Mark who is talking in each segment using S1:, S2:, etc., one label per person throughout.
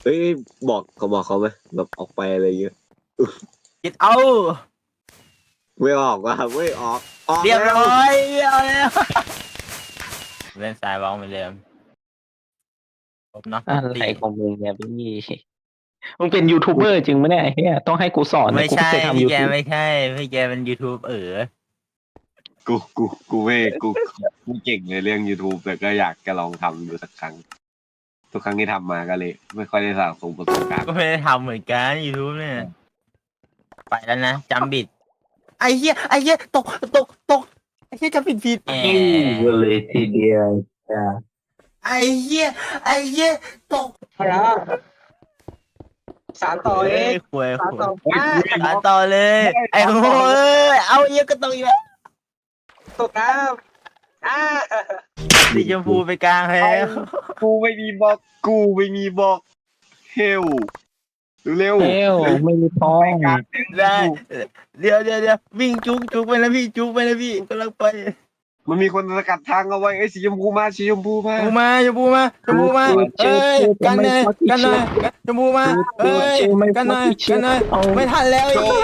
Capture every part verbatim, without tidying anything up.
S1: เฮ้ยบอกเขาบอกเขาไหมแบบออกไปอะไรเงี้ย
S2: คิดเอา
S1: ไม่ออกว่ะไม่ออกออก
S2: เรียบ
S1: แล้ว
S2: ร้อยเอาแล้วเล่นสายบอลเหมือนเดิมครบเนาะหมด
S3: อะไร
S2: ตี
S3: ของมึงเนี่ยพี่มึงเป็นยูทูบเบอร์จริงไหมเนี่ยไอ้เฮียต้องให้กูสอนเนี่
S2: ไม่
S3: ยกู
S2: ใช่
S3: ไม่เคยทำ
S2: พี่
S3: ยู
S2: แก
S3: ทูบ
S2: ไม่ใช่พี่แกเป็น YouTube เออ
S1: กูกูกูไม่กูกูเก่งในเรื่อง YouTube แต่ก็อยากจะลองทำดูสักครั้งทุกครั้งที่ทำมาก็เลย ไม่ค่อยได้สะสมประสบการณ์
S2: ก็ไม่ได้ทำเหมือนกัน YouTube เนี่ยไปแล้วนะจำบิดไอ้เหี้ยไอ้เหี้ยตกตกตกไอ้เหี้ยจำผิดผิดแหม
S3: เลยทีเดียวจ้า
S2: ไอ้เหี้ยไอ้เหี้ยตก
S4: ครับสารต่อเอง
S2: คุย
S4: สาร
S2: คุย
S4: ต่อ
S1: เฮ้ย
S4: อ่า
S2: สานต่อเลย ไอ้โง่เอ้ยเอาเหี้ยก็ตกอีกแล้ว
S4: ตกน้ำอ่า
S2: สีชมพูไปกลางแล้ว
S1: กูไม่มีบล็อกกูไม่มีบล็อกเฮลเร็ว
S3: เอ้วไม่มีท้อง
S2: ได้เดี๋ยวเดี๋ยวเดี๋ยววิ่งจุกจุกไปแล้วพี่จุกไปแล้วพี่กำลังไป
S1: มันมีคนสกัดทางเอาไว้ไอ้สีชมพูมาสีชมพูมา
S2: ชมพูมาชมพูมาชมพูมาเอ้ยกันหน่อยกันหน่อยชมพูมาเอ้ยกันหน่อยกันหน่อยไม่ทันแล้วอีก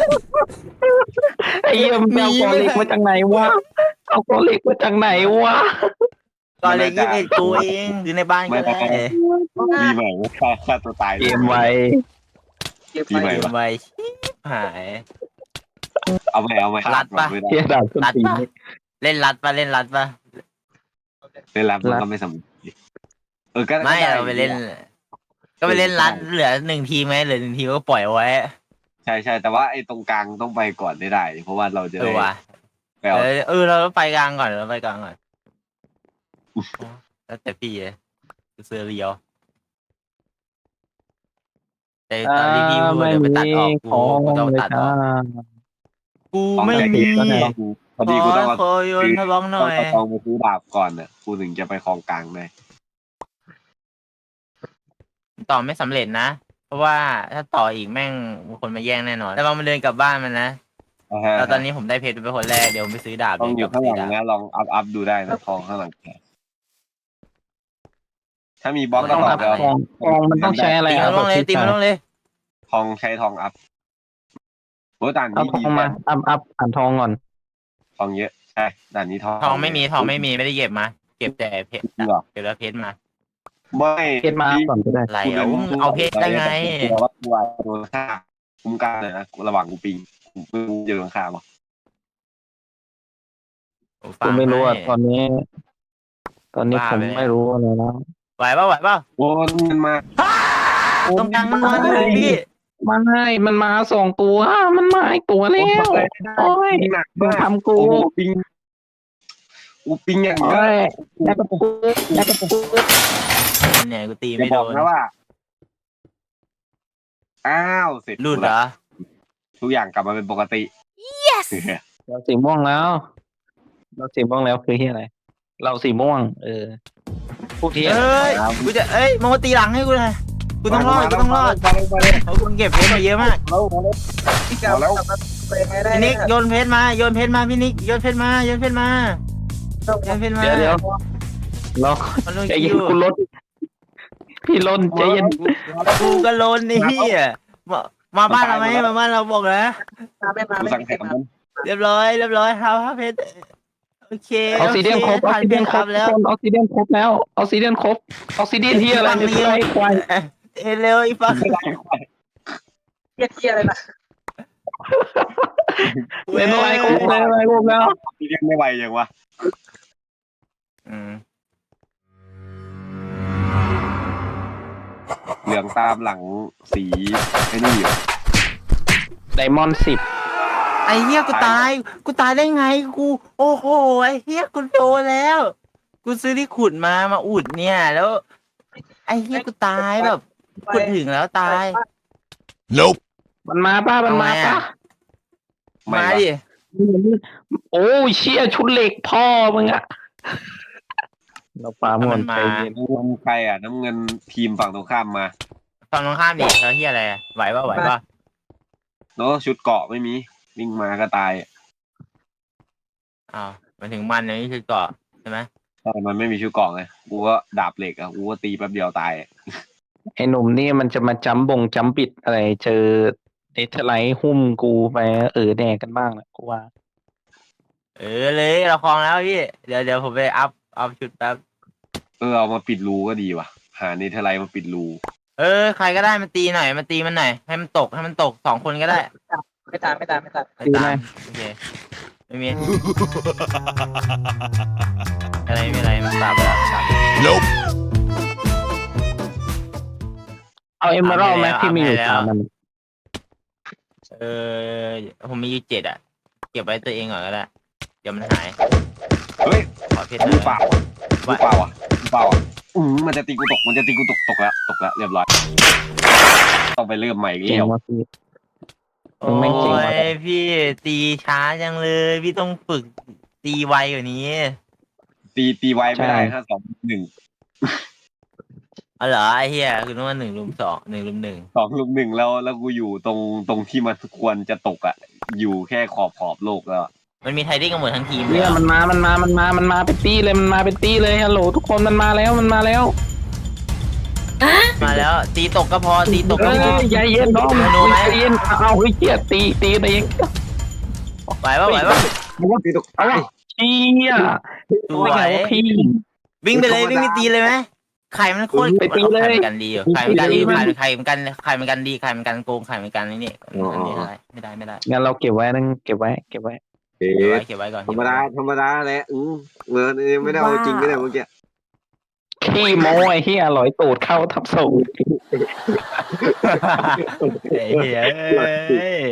S3: ไอ้เหี้ยมึงเอากอเล็กมาจากไหนวะเอากอเล็กมาจากไหนวะ
S2: ตอนเล็กยี่สิบเอ็ดตัวเองอยู่ในบ้านก็ได้
S1: รีใหม่ฆ่าฆ่าตัวตาย
S3: เกมไว
S4: เก็บ
S1: ปีให
S4: ไป
S1: ม่
S2: เกมไว้ชิบหาย
S1: เอาใหม่เอาใหม่
S2: รัดปะ
S1: ไม่ได้
S3: เฮียดาบส้น
S2: รัด
S3: ตีน
S2: ปะเล่นรัดปะเล่นรัดปะ
S1: เล่นรับมันก็ไม่สำเร็จเออก็
S2: ไม่
S1: ด้
S2: เราไปเล่น ก็ไปเล่นรัดเหลือหนึ่งทีมไหมเหลือหนึ่งทีมก็ปล่อยเอาไว้
S1: ใช่ใช่แต่ว่าไอ้ตรงกลางต้องไปก่อนได้ได้ เพราะว่าเราจะ
S2: เอ
S1: ได้
S2: อว่ะ
S1: ไปเอา
S2: เออเออเราต้องไปกลางก่อนเราไปกลางก่อนแล้วแต่พี่เลยเสือเรียวแต่ตอนที่พี่พูดเดี๋ยวไปตัดออกกูกูต้องตัดออกกูไม่มี
S1: พอดีกูต้อง
S2: ข
S1: เอา
S2: ขอโยนทะบ้องห
S1: ต้
S2: น่
S1: อง
S2: อย
S1: เอาทองไปซื้อดาบก่อนน่ะกูถึงจะไปคลองกลางได้
S2: ต่อไม่สำเร็จนะ เพราะว่าถ้าต่ออีกแม่งมีคนมาแย่งแน่นอนแต่ว่ามันเดินกลับบ้านมันนะ
S1: อ่าฮะ
S2: แล้วตอนนี้ผมได้เพชรเป็นคนแรกเดี๋ยวผมไปซื้อดาบ
S1: ต้องอยู่
S2: เดี๋ว
S1: ข้างห
S2: ซื้
S1: ลัง
S2: ดาบ
S1: นะลองอัพอัพดูได้นะทองข้างหลังแกถ้ามีบล็อกก็
S3: ต้อง
S1: ต่อ
S3: อัพ
S1: ไปเอา
S3: ทองทองมันต้องใช้อะไร
S2: ตี
S3: อ่ะ
S2: มันลงเลยตีมันลงเลย
S1: ทองใช้ทองอัพโอ้ด่าน
S3: เอา
S1: นี้
S3: ท
S1: ดี
S3: องมาอัพอัพอ่านทองก่อน
S1: ทองเยอะใช่ด่านนี้ทอง
S2: ทองไม่มีทองไม่มีไม่ได้เก็บมาเก็บแต่เพชร
S1: จริงเหรอ
S2: เก็บแล้วเพชรมา
S1: ไม่
S3: เพชรมาอัพก่อนก็ได้
S2: อะไรอ่ะอุ้มเอาเพชรได้ไง
S1: กลัวว่ากลัวโดนฆ่าคุ้มกันเลยนะระหว่างกูปิงกูจะโดนฆ่าปะ
S2: ผมฟั
S3: กู
S2: ง
S3: ไม่รู้อ่ะ
S2: ให้
S3: ตอนนี้ ตอนนี้
S2: บ้า
S3: ผม
S2: ไป
S3: ไม่รู้อะไรแล้ว
S2: ไหวป่ะไหวป่ะ
S1: โอ้มันมา
S2: ตรงกลางมันนอนอยู่พี่
S3: มาให้มันมาสองตัว มันมาอีกตัวแล้วโอ้ย
S1: หนัก
S3: มึง
S1: มาก
S3: ทำกู
S1: โอ้ปิงกูปิงอย่างเย
S3: โอ้
S1: อะ
S3: ยแล้กระปุกแล้กระปุก
S2: เนี่ยกูตี
S1: จะ
S2: ไม่
S1: บ
S2: โด
S1: อก
S2: น
S1: นะว่า อ้าวเสร็จ
S2: หลุดเหรอ
S1: ทุกอย่างกลับมาเป็นปกติ
S5: Yes
S3: เราสีม่วงแล้ว เราสีม่วงแล้วคือที่อะไร เราสีม่วง เออพวกที่
S2: เอ้ยกูจะเอ้ยมึงมาตีหลังให้กูหน่อยกูต้องรอดกูต้องรอด
S1: มาเลยมาเลย
S2: เพราะกูเก็บเพชรมาเยอะมาก
S1: มาเลยมาเลย
S4: พี่กลับกลับมาไปยังไงได้
S2: พี่นิกโยนเพชรมาโยนเพชรมาพี่นิกโยนเพชรมาโยนเพชรมาโยนเพชรมา
S3: เดี๋ยวเดี๋ยวเรา
S2: มันลง
S3: ใจ
S2: คิ
S3: เย็น
S2: ว
S3: คุณลดพี่ลนใจเย็น
S2: กูก็โลนนี่พี่มามาบ้านเราไหมมาบ้านเราบอกนะ
S4: มาไม่มา
S1: กู
S4: ไม่
S1: สั่งแข่งมัน
S2: เรียบร้อยเรียบร้อยครับครับเพชรโอเค
S3: ออกซิเดียนครบออก
S2: ผ่าน
S3: ซิ
S2: เพ
S3: เดีย
S2: ช
S3: น
S2: ร
S3: ค
S2: ค
S3: ร
S2: รั
S3: บบ
S2: แล้ว
S3: ทุกคนออกซิเดียนครบแล้วออกซิเดียนครบออกซิเดียนที่อะไรเนี่ยไอ้ควาย
S2: เอยเร็วอีฟัง
S4: เทียเทียอะไรนะ
S3: เล่นอะไรครบเลยอะไรครบแล้ว
S1: ที่ยังไม่ไหวยังวะ
S2: อืม
S1: เหลืองตามหลังสีไอ้นี่อยู่
S3: ไดมอนด์สิบ
S2: ไอ้เหี้ยกูตายกูตายได้ไงกูโอ้โหไอ้เหี้ยกูโดนแล้ว กูซื้อที่ขุดมามาอุดเนี่ยแล้ว ไอ้เหี้ยกูตายแบบขุดถึงแล้วตาย
S5: Nope
S3: มันมาป้ามันมาป้า
S1: ไม่
S2: มา
S1: ปะ
S2: ดิ
S3: โอ้ยเชี่ยชุดเหล็กพ่อมึงอะเราปาหมดใจเย็น
S1: น้ำเงินใครอ่ะน้ำเงินทีมฝั่งตรงข้ามมา
S2: ฝั่งตรงข้ามดิแล้วเหี้ยอะไรไหวป่ะไหวป่ะ
S1: เนาะชุดเกาะไม่มีวิ่งมาก็ตาย
S2: อ้าวมาถึงมันเนี่ยนี่คือเกาะใช่ไหม
S1: แต่มันไม่มีชุดเกาะไงกูก็ดาบเหล็กอ่ะกูก็ตีแป๊บเดียวตาย
S3: ไอ้หนุ่มนี่มันจะมาจัมบงจัมปิดอะไรเจอเนเธอร์ไลท์หุ้มกูไปเออแดกกันบ้างแหละกูว่า
S2: เออเลยเราคลองแล้วพี่เดี๋ยวเดี๋ยวผมไปอัพอัพชุดแป๊บ
S1: เออเอามาปิดรูก็ดีว่ะหาเนเธอร์ไลท์มาปิดรู
S2: เออใครก็ได้มาตีหน่อยมาตีมันหน่อยให้มันตกให้มันตกสองคนก็ได้
S4: ไม่ตามไม่ตามไม่ตาม
S2: ไปตามโอเคไม่มีอะไรไม่มีอะไรมันตามไปแล้วตาม
S5: Nope.
S3: เอาเอมเมอรัลด์ไหมที่มีอยู่สามมัน
S2: เออผมมีอยู่เจ็ดอ่ะเก็บไว้ตัวเองก่อนก็ได้เดี๋ยวมันหาย
S1: เฮ้ย
S2: ขอเพชรห
S1: มื
S2: น่
S1: อ
S2: อย
S1: เปล่ามือเปล่าอ่ะมือเปล่าอ่ะอืมมันจะตีกูตกมันจะตีกูตกตกแล้วตกแล้วเรียบร้อยต้องไปเริ่มใหม่อีก
S3: เก่ง
S1: แล้ว
S3: มากพี่
S2: โอ้
S3: มึงไม่เก่งวะ
S2: ยพี่ตีช้าจังเลยพี่ต้องฝึกตีไวกว่านี้
S1: ตีตีไวไม่ได้ห้าสองหนึ่ง
S2: อ๋อเหรอไอ้เหี้ยคือนึกว่าหนึ่งลุมสองหนึ่งลุมหนึ่ง
S1: สองลุมหนึ่งแล้วแล้วกูอยู่ตรงตรงที่มันควรจะตกอ่ะ อยู่แค่ขอบขอบโลกแล้ว
S2: มันมีไทดิ้งกันหมดทั้งทีมเลย
S3: เนี่ย
S2: เหรอ
S3: มันมา มันมา มันมา มันมาเป็นตี้เลย มันมาเป็นตี้เลย ฮัลโหลทุกคนมันมาแล้ว มันมาแล้ว
S2: มาแล้วตีตกก็พอตีตก
S3: เอ
S2: ก็พอ
S3: อใจเย็นน้อง
S2: โนโนไหม
S3: ใจเย็นเอาเฮ้ยเกียตีตีตัวเอง
S2: ไหวปะไหวปะ
S1: ตีตก
S3: เอาวะเชี่ย
S2: สวย
S3: ไม่ไงวะพี่
S2: วิ่งไปเลยวิ่งไปตีเลยไหมไข่มันโคตร
S3: ไปตีเลย
S2: ไข่มันกันดีอยู่ไข่มันกันดีไข่มันไข่มันกันไข่มันกันดีไข่มันกันโกงไข่มันกันนี่นี่อันนี้อะไรไม่ได้ไม่ได้
S3: งั้นเราเก็บไว้นั่งเก็บไว้ เก็บไว้
S1: เอ๊
S2: เก็บไว้
S1: ะ
S2: เก็บไว้ก่อน
S1: ธรรมดาธรรมดาแหละอืมเออไม่ได้เอาจริงไม่ได้เมื่อกี้
S3: ขี้โม้ไอ้เหี้ยลอยตูดเข้าทับสูง
S2: เฮ้ยเฮ้ย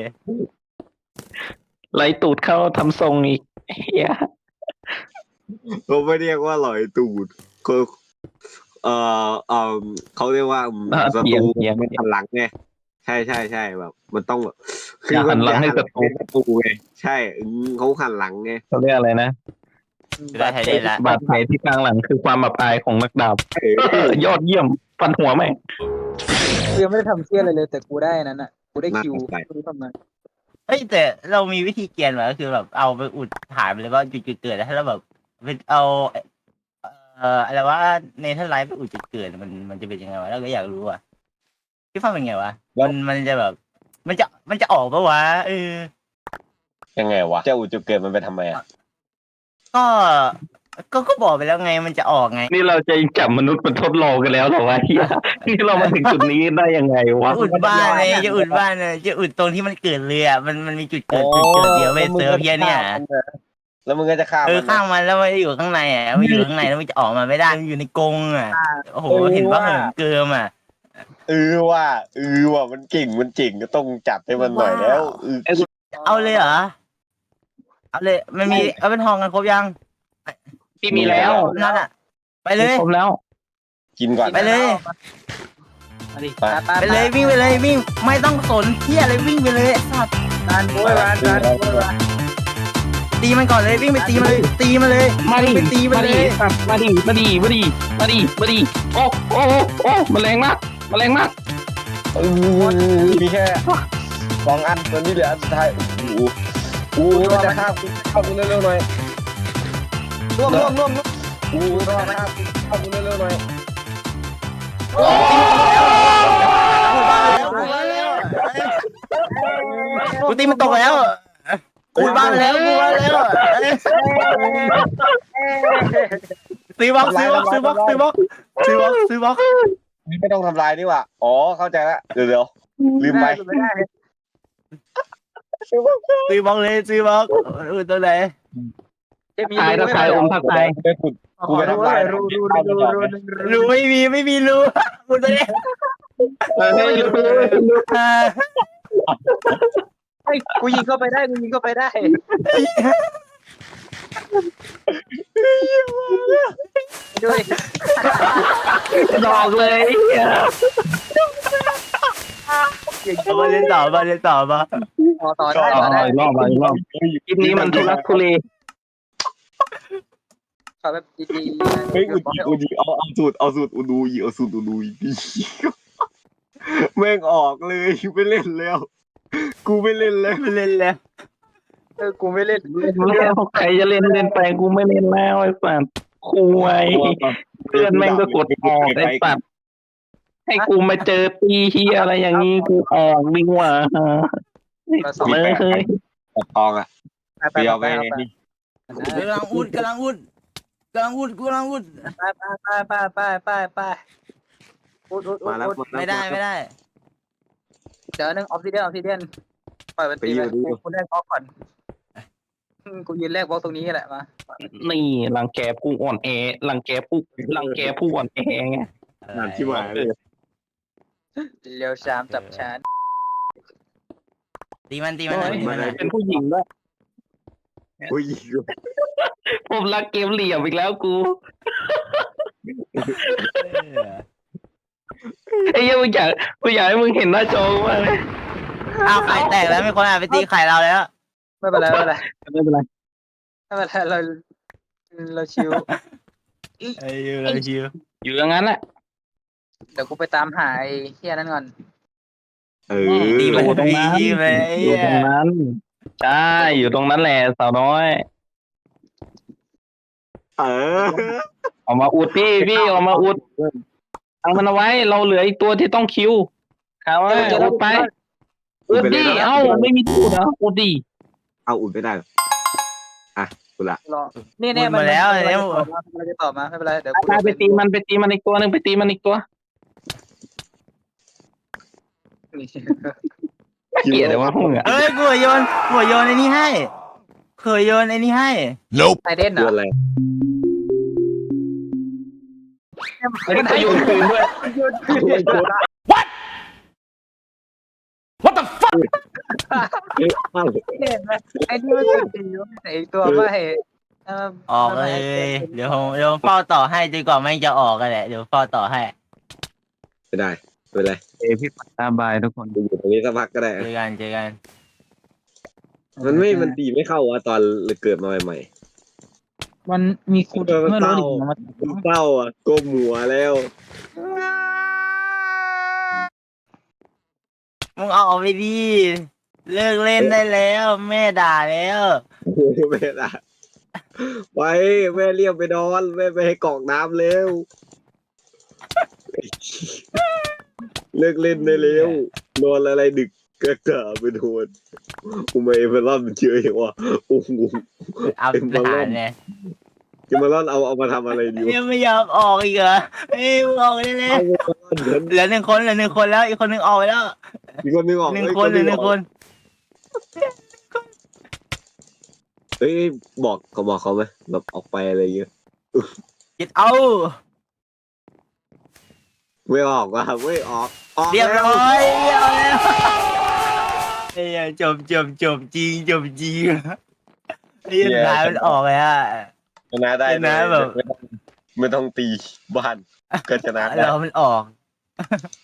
S3: ลอยตูดเข้าทำทรงอีกเหี้ย
S1: เขาไม่เรียกว่าหลอยตูดคือเอ่อเอ่อเขาเรียกว่าอืม
S3: อ่ะ
S1: ศั
S3: เถีย
S1: ต
S3: ง
S1: รู
S3: เถียง
S1: ไม่หันหลังไงใช่ใช่ใช่แบบ มันต้องแบบคื
S3: อย่าหันหลังให้ศัตรู
S1: ศัตรูไงใช่อืมเขาหันหลังไง
S3: เขาเรียกอะไรนะ
S2: ได้ไทยได้ละ
S3: บาดแผลที่กลางหลังคือความอับอายของนักดาบ
S1: เออย
S3: อดเยี่ยมฟันหัวแม่ง
S4: กูยังไม่ได้ทำเชี่ยอะไรเลยแต่กูได้นั้นอ่ะกูได้คิวกูรู้ทำไม
S2: เฮ้ยแต่เรามีวิธีเกียนเหรอก็คือแบบเอาไปอุดถ่ายไปเลยว่าจุดจุดเกิดแล้วถ้าเราแบบเป็นเอาเอ่ออะไรว่าเนเธอร์ไลท์ไปอุดจุดเกิดมันมันจะเป็นยังไงวะเราก็อยากรู้อ่ะพี่ฟ้าเป็นไงวะมันมันจะแบบ มันจะมันจะออกปะวะเออ
S1: ยังไงวะเจ้าอุจุเกิดมันไปทำไมอ่ะ
S2: ก็ก็ก็บอกไปแล้วไงมันจะออกไง
S3: นี่เราจะจับมนุษย์มาทดลองกันแล้วเหรอวะเฮียนี่เรามาถึงจุดนี้ได้ยังไงวะ
S2: อุดบ้านเลยจะอุดบ้านเลยจะอุดตรงที่มันเกิดเลยอ่ะมันมันมีจุดเกิดจุดเกิดเดียวเว้ยเซิร์ฟเฮียเนี่ย
S1: แล้วมึงก็จะฆ่า
S2: เอ
S1: มั
S2: อน ข้างมันแล้วมันอยู่ข้างในอ่ะมันอยู่ข้างในแล้วมันจะออกมาไม่ได้มันอยู่ในกรงอ่ะโอ้โหเห็นว่าเหินเกิมอ่ะ
S1: เออว่าเออว่ามันเก่งมันเจ๋งก็ต้องจัดให้มันหน่อยแล้วเออ
S2: เอาเลยเหรอเอาเลยมันมีเอาเป็นทองกันครบยัง
S3: พี่มีแล้ว
S2: นั่นอ่ะ ไปเลย
S3: ครบแล้ว
S1: กินก่อน
S2: ไปเลย ไปเลยวิ่งไปเลยวิ่งไม่ต้องสนเที่ยอะไรวิ่งไปเลยไอ้สัตว์
S4: ร้านโว้ยร้านร้านโว้ยร้าน
S2: ตีมันก่อนเลยวิ่งไปตีมันเลยตีมันเลย
S3: มาดิ
S2: ไปตีมัน
S3: มา
S2: เล
S3: ดิ
S2: ย
S3: ครับมาดิมาดิมาดิมาดิมาดิโอ้โอ้โอ้แมลงมากแมลงมาก
S1: เออมีแค่สองอันตอนนี้เหลืออันสุดท้ายโอ้โหโอ้โหมันจะฆ่ากูเข้ากูเร็วๆหน่อย
S4: ร่วมร่วมร่วมร่วม
S1: โอ้โหมันจะฆ่ากูเข้ากูเร็วๆหน่อย
S2: กูตีมันตกแล้วกูบ้านแล้วกูบ้านแล้วซื้อบล็อกซื้อบล็อกซื้อบล็อกซื้อบล็อกซื้อบล็อกซื้อบล็อก
S1: ไม่ต้องทำลายนี่หว่าอ๋อเข้าใจละเดี๋ยวเดี๋ยวลืมไป
S4: ไม่ได้
S2: ซื้อบล็อกเลยซื้อบล็อกอือตัวไหน
S4: จะมี
S3: ตายถ้าตายอมถ้าตาย
S1: ไปขุดกูไปทำลาย
S4: รู้รู้รู้รู้รู้
S2: รู้ไม่มีไม่มีรู้กูตัวนี้
S3: เฮ้ย
S4: กูยิงเข้าไปได้กูยิงเข้าไปได้ ด้วย
S3: ดอกเลย
S2: เอามาเล่นต่อมาเล่นต่อมา
S4: ต่อต่อ
S3: ต่
S4: ได้
S3: อ
S4: ต่อได้
S3: อีกรอบอีกรอบคลิปนี้มันทุลักทุเล
S4: ขอแบบดี
S1: เฮ้ยอุดีอุดีเอาเอาสูตรเอาสูตรอุดูอีเอาสูตรอุดูอีดีแม่งออกเลยไม่เล่นแล้ว กูไม่เล่นแล้ว
S2: ไม่เล่นแล้ว
S4: เออกูไม่เล่น
S3: แล้วใครจะเล่นเล่นไปกูไม่เล่นแล้วไอ้สัตว์คุยเพื่อนแม่งก็กดออกไอ้สัตว์ให้กูมาเจอตีเฮียอะไรอย่างงี้กูออกดีกว่า
S4: เราสอง
S3: เออเคย
S1: ตัดทองอ่ะ
S4: ไปไป
S1: เปียว
S4: ไป
S1: ไป
S4: ไป
S1: นี่
S2: กำลังอุดกำลังอุดกำลังอุดกำลังอุด
S4: ไปไปไปไปไปไปอุดอุดอุ
S1: มา
S4: ด
S1: แล้ว
S4: อุด
S2: ไม่ได้ไม่ได้
S4: เดี๋ยวนึงออฟซิเดียนออฟซิเดียนปล่อยมันตีไปกูแรกบล็อกก่อนกูยืนแรกบล็อกตรงนี้แหละมา
S3: นี่รังแกผู้อ่อนแอรังแกผู้รังแกผู้อ่อนแอไง
S1: หนามที่หมายเลย
S4: เร็วชามจับชาร์
S2: ตีมันตีมันหน่อยตีมันหน่อย
S3: เป็นผู้หญิงด้วย
S1: อุ้ย
S3: ผมรักเกมเหลี่ยมอีกแล้วกูไอ้เหี้ยังมึงอยากมึงอยากให้มึงเห็นหน้าจอมากเลย
S2: อ้าวไข่แตกแล้วมีคนอาจไปตีไข่เราแล้ว
S4: ไม่เป็นไรไม่เป็นไร
S3: ไม่เป็นไร
S4: ไม่เป็นไรเราเราชิว
S2: ไอ้ยูเราชิว
S3: อยู่อย่างนั้นแหละ
S4: เดี๋ยวกูไปตามหาไอ้เฮียนั่นก่อน
S1: เออ
S2: ตีมัน
S3: อยู่ตรงนั้น
S2: ตีไป
S3: อยู่ตรงนั้นใช่อยู่ตรงนั้นแหละสาวน้อย
S1: เออ
S3: ออกมาอุดพี่พี่ออกมาอุดทางมันเอาไว้ เราเหลืออีกตัวที่ต้องคิวครับว่าอุดไปอุดดิเอ้าไม่มีตัวเหรออุดดิ
S1: เอาอุ่นไม่ได้อ่ะกูละ
S4: รอนี่เนี่ยมันมันจะตอบมาไม่เป็นไรเดี๋ยวกู
S3: ไปตีมันไปตีมันอีกตัวหนึ่งไปตีมันอีกตัวเกลียดเลยว่าพวกมึงอะ
S2: เอ้ยกูโยนกูโยนไอ้นี่ให้เคยโยนไอ้นี่ให้
S5: Nope.
S4: ไอเด่นเหร
S1: ตัว
S4: อ
S1: อะไร
S3: แล้วก็โยนคืนด้วย
S5: What the fuck?
S4: เห็นไหมไอ้นี่มันสุดดีไอ้ตัวไม่
S2: ออกเลยเดี๋ยวผมเดี๋ยวผมเฝ้าต่อให้จนกว่าแม่งจะออกกันแหละเดี๋ยวเฝ้าต่อให้
S1: ไม่ได้ไม่เป็นไร
S3: เอพี่ปัตตาบายทุกคน
S1: อยู่ตรงนี้สักพักก็ได้
S2: เจอกันเจอกัน
S1: มันไม่มันตีไม่เข้าวะตอนเกิดมาใหม่
S4: มันมีคุณไม่รู้ดิมัน
S1: ๆมันเศร้าอ่ะก้มหัวแล้ว
S2: มึงเอาออกไปดิเลิกเล่นได้แล้ว แม่ด่าแล้ว
S1: แม่ละไปแม่เรียกไปนอนแม่ไปให้กรอกน้ำเร็วเลิกเล่นได้แล้วนอนอะไรดึกก็กะไปโดนอุมาเอเวอร์ลอนมันเชื่อเหรอวะโอ้โห
S2: เอาทหารเนี่ย
S1: จะมาลอนเอาเอามาทำอะไรดีวะ
S2: ยังไม่ยอมออกอีกเหรอเอ้ยมึงออกได้เลย
S1: เอามาลอนเดิน
S2: เหลือหนึ่งคนเหลือหนึ่งคนแล้วอีกคนหนึ่งออกไปแล้ว
S1: มีคนนึงออก
S2: หนึ่งคนเหลือหนึ่งคน
S1: เฮ้ยบอกเขาบอกเขาไหมแบบออกไปอะไรเงี้ย
S2: get out
S1: ไม่ออกว่ะไม่ออกออก
S2: เรียบ
S1: แล้ว
S2: ร้อยเรียบร้อยแล้วไอ้เหี้ยจบจบจบจริงจบจริงไอ้เหี้ยนายมันออกเลยอ่ะ
S1: ชนะได้
S2: ชนะแบบ
S1: ไม่ต้องไม่ต้องตีบ้านก็ชนะได้
S2: เรามันออก